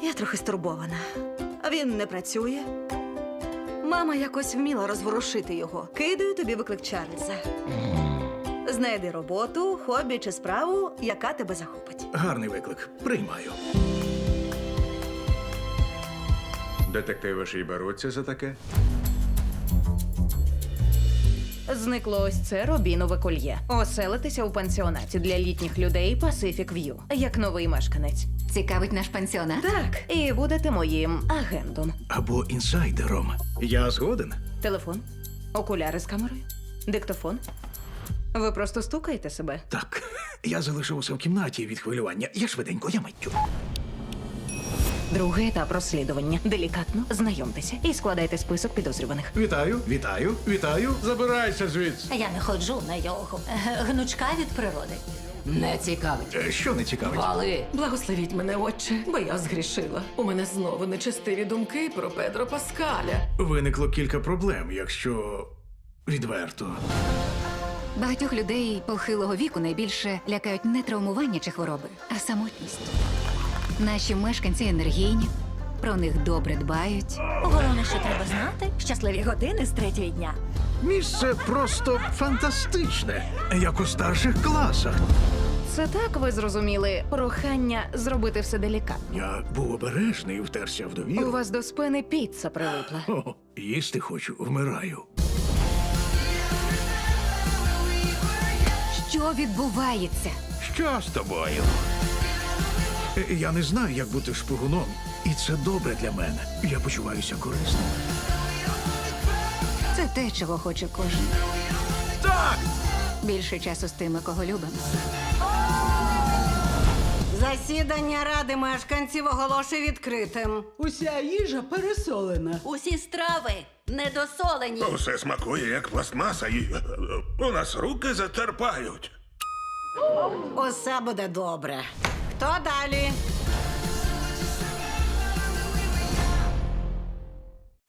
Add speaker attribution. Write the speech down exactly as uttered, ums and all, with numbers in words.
Speaker 1: Я трохи стурбована. Він не працює. Мама якось вміла розворушити його. Кидаю тобі виклик Чарльза. Знайди роботу, хобі чи справу, яка тебе захопить.
Speaker 2: Гарний виклик. Приймаю.
Speaker 3: Детективи ж і беруться за таке.
Speaker 4: Зникло ось це Робінове кольє. Оселитися у пансіонаті для літніх людей Pacific View. Як новий мешканець.
Speaker 5: Цікавить наш пансіонат?
Speaker 4: Так, і будете моїм агентом.
Speaker 2: Або інсайдером. Я згоден.
Speaker 4: Телефон, окуляри з камерою, диктофон. Ви просто стукаєте себе.
Speaker 2: Так. Я залишився в кімнаті від хвилювання. Я швиденько, я миттю.
Speaker 4: Другий етап розслідування. Делікатно знайомтеся і складайте список підозрюваних.
Speaker 2: Вітаю, вітаю, вітаю.
Speaker 3: Забирайся звідси.
Speaker 6: Я не ходжу на йогу. Е, Гнучка від природи.
Speaker 5: Не цікавить.
Speaker 2: Е, Що не цікавить?
Speaker 5: Вали!
Speaker 7: Благословіть мене, отче, бо я згрішила. У мене знову нечестиві думки про Педро Паскаля.
Speaker 2: Виникло кілька проблем, якщо відверто.
Speaker 5: Багатьох людей похилого віку найбільше лякають не травмування чи хвороби, а самотність. Наші мешканці енергійні, про них добре дбають.
Speaker 6: Головне, що треба знати, щасливі години з третього дня.
Speaker 2: Місце просто фантастичне, як у старших класах.
Speaker 4: Це так ви зрозуміли прохання зробити все делікатно.
Speaker 2: Я був обережний і втерся в довіру.
Speaker 4: У вас до спини піца прилипла.
Speaker 2: О, їсти хочу, вмираю.
Speaker 5: Що відбувається?
Speaker 3: Що з тобою?
Speaker 2: Е, Я не знаю, як бути шпигуном, і це добре для мене. Я почуваюся корисним.
Speaker 5: Це те, чого хоче кожен.
Speaker 2: Так!
Speaker 5: Більше часу з тими, кого любимо.
Speaker 8: Засідання ради мешканців оголошую відкритим.
Speaker 7: Уся їжа пересолена.
Speaker 6: Усі страви недосолені.
Speaker 9: Усе смакує, як пластмаса, і е, у нас руки затерпають.
Speaker 8: Усе буде добре. Хто далі?